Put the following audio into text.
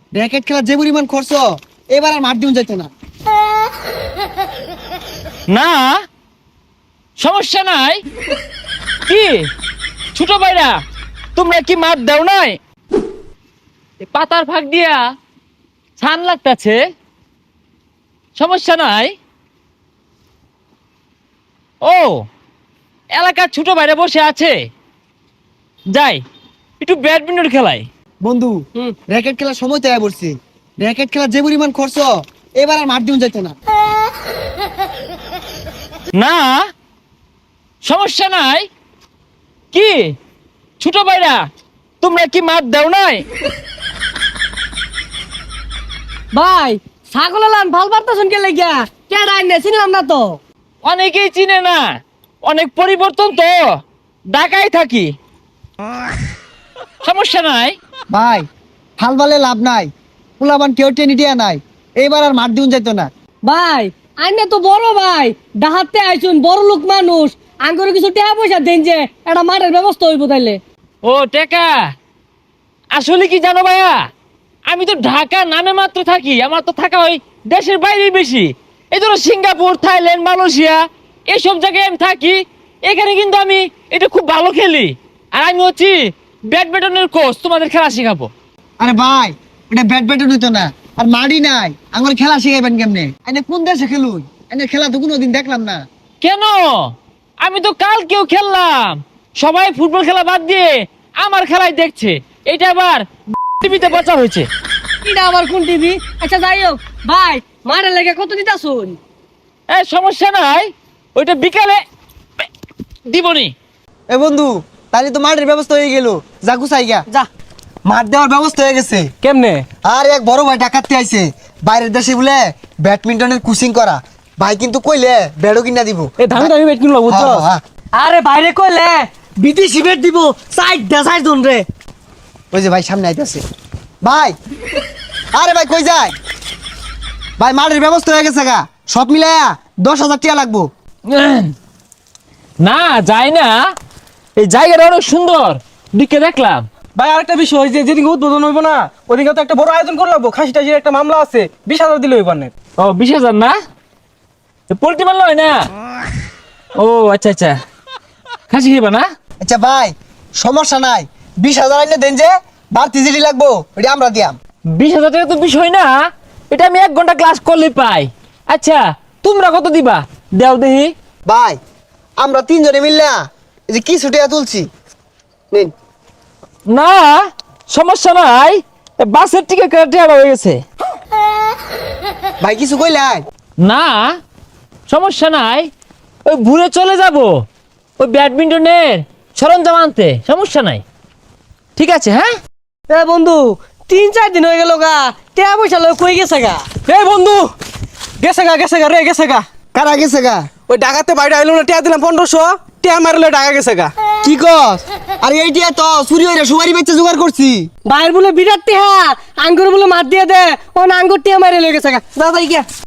Racket খেলা যে পরিমাণ খরচ, এবার আর মাঠ দিন যাইতো না। না সমস্যা নাই। কি ছোট ভাইরা, তোমরা কি মাঠ দাও নাই? এ পাতার ফাঁক দিয়া ছান লাগতাছে, সমস্যা নাই। ও এলাকার ছোট ভাইরা বসে আছে, যাই একটু ব্যাডমিন্টন খেলাই। বন্ধু, র্যাকেট খেলার সময় তৈরি করছি। র্যাকেট খেলা যে পরিমাণ খরচ, এবার আর মাঠ দিন যাইতো না। না সমস্যা নাই। কি ছোট ভাইরা, তোমরা কি মাঠ দাও নাই? ভাই ছাগল লান ভাল পারতেছেন কে লাগিয়া কে রাইনে চিনলাম না তো। অনেকেই চিনে না, অনেক পরিবর্তন তো, ঢাকায় থাকি, সমস্যা নাই। ভাই হাল বালে লাভ নাই, পোলাবান কেউ টেনে দিয়া নাই, এবার আর মাঠ দিন যাইতো না। ভাই আইনে তো বড় ভাই, ডাহাতে আইছুন বড় লোক মানুষ, আঙ্গুরে কিছু টাকা পয়সা দেন যে একটা মাঠের ব্যবস্থা হইব তাইলে। ও টেকা, আসলে কি জানো ভাইয়া, আমি তো ঢাকা নামে মাত্র থাকি, আমার তো থাকা হয় দেশের বাইরে বেশি। এই ধরো সিঙ্গাপুর, থাইল্যান্ড, মালয়েশিয়া এইসব জায়গায় আমি থাকি। এখানে কিন্তু আমি এটা খুব ভালো খেলি, আর আমি হচ্ছি ব্যাডমিন্টনের কোচ, তোমাদের খেলা শেখাবো। আরে ভাই, এটা ব্যাডমিন্টন হইতো না, আর মাঠই নাই, আমার খেলা শিখাইবেন কেমনে? এনে কোন দেশে খেলুন? এনে খেলা তো কোনোদিন দেখলাম না। কেন? আমি তো কালকেও খেললাম, সবাই ফুটবল খেলা বাদ দিয়ে আমার খেলাই দেখছে। এটা আবার টিভিতে প্রচার হয়েছে। এটা আবার কোন টিভি? আচ্ছা যাই হোক ভাই, মাঠের লেগে কত দিতাছুন? সমস্যা নাই, ওইটা বিকালে দিবনি। এ বন্ধু, তাহলে তো মাঠের ব্যবস্থা হয়ে গেল, যা গুছাই গা। যা। মাঠ দেওয়ার ব্যবস্থা হয়ে গেছে। কেমনে? আর এক বড় ভাই ডাকাতে আইছে, বাইরের দেশে বলে ব্যাডমিন্টনের কোচিং করা। ভাই কিন্তু কইলে ব্যাডও কিনা দিব। এ দামি দামি বেট কিনলো বুঝছো? হ্যাঁ, হ্যাঁ। আরে বাইরে কইলে বিদেশি বেট দিব, সাইড দা সাইড জন রে। ওই যে ভাই সামনে আইতাছে। ভাই, আরে ভাই কই যায়? ভাই মাঠের ব্যবস্থা হয়ে গেছে গা, সব মিলায়া 10,000 টাকা লাগবো। না যায় না, এই জায়গাটা অনেক সুন্দর, দিকে দেখলাম। ভাই আরেকটা বিষয়, যে যেদিন উদ্বোধন হইব না ওদিকে তো একটা বড় আয়োজন করে লাগবো। খাসি টাসির একটা মামলা আছে, 20,000 দিলে হইব না। ও 20,000 না, পোল্ট্রি মারল হয় না? ও আচ্ছা আচ্ছা, খাসি খেবা না? আচ্ছা ভাই, সমস্যা নাই, 20,000 আইনে দেন, যে বাড়তি জিডি লাগবো ওটা আমরা দিয়াম। 20,000 টাকা তো বিষয় না, এটা আমি 1 ঘন্টা ক্লাস করলে পাই। আচ্ছা তোমরা কত দিবা দেও দেখি। ভাই আমরা 3 জনে মিললা এই যে কিছু টাকা তুলছি, নিন। না সমস্যা নাই, বাসের টিকিট কেটে হয়ে গেছে। ভাই কিছু কইলাই? না সমস্যা নাই, ওই ঘুরে চলে যাব ওই ব্যাডমিন্টনের সরঞ্জাম আনতে, সমস্যা নাই। ঠিক আছে হ্যাঁ। এ বন্ধু 3-4 দিন হয়ে গেল গা, টাকা পয়সা লয় কই গেছে গা? এই বন্ধু, গেছে গা রে, গেছে গা। কারা গেছে গা? ওই ডাকাতে বাইরে আইলো না, টিয়া দিলাম 1500, টিয়া মারলে ডাকা গেছে গা। কি কস? আরে এইটা তো চুরি হইরা সুপারি বেচে জোগাড় করছি। বাইর বলে বিরাট টিহা, আঙ্গুর বলে মার দিয়ে দে, ও আঙ্গুর টিহা মারে লয়ে গেছে গা। দাদা গিয়া